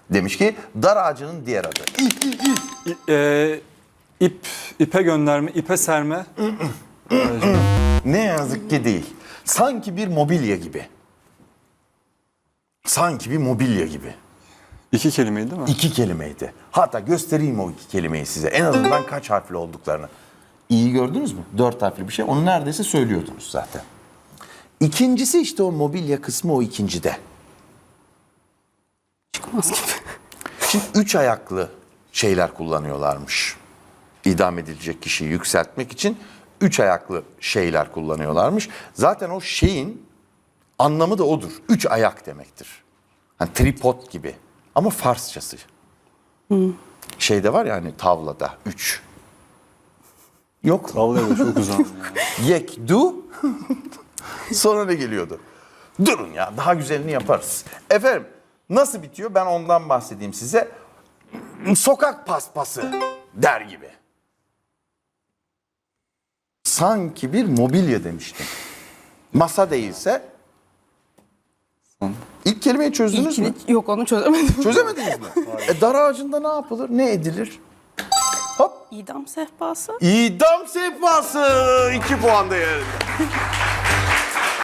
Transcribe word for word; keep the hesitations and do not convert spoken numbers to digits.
Demiş ki dar ağacının diğer adı. İ- e, ip, ipe gönderme, ipe serme. Ne yazık ki değil. Sanki bir mobilya gibi. Sanki bir mobilya gibi. İki kelimeydi değil mi? İki kelimeydi. Hatta göstereyim o iki kelimeyi size. En azından kaç harfli olduklarını. İyi gördünüz mü? Dört harfli bir şey. Onu neredeyse söylüyordunuz zaten. İkincisi işte o mobilya kısmı o ikincide. Çıkmaz gibi. Şimdi üç ayaklı şeyler kullanıyorlarmış. İdam edilecek kişiyi yükseltmek için üç ayaklı şeyler kullanıyorlarmış. Zaten o şeyin anlamı da odur. Üç ayak demektir. Hani tripod gibi. Ama Farsçası. Hmm. Şeyde var ya hani tavlada üç. Yok. Vallahi de çok uzun. Yek, du. Sonra ne geliyordu? Durun ya daha güzelini yaparız. Efendim nasıl bitiyor ben ondan bahsedeyim size. Sokak paspası der gibi. Sanki bir mobilya demiştim. Masa değilse. İlk kelimeyi çözdünüz mü? İlkini, yok onu çözemedim. Çözemediniz mi? e, dar ağacında ne yapılır? Ne edilir? Hop. İdam sehpası. İdam sehpası. iki puan değerinde.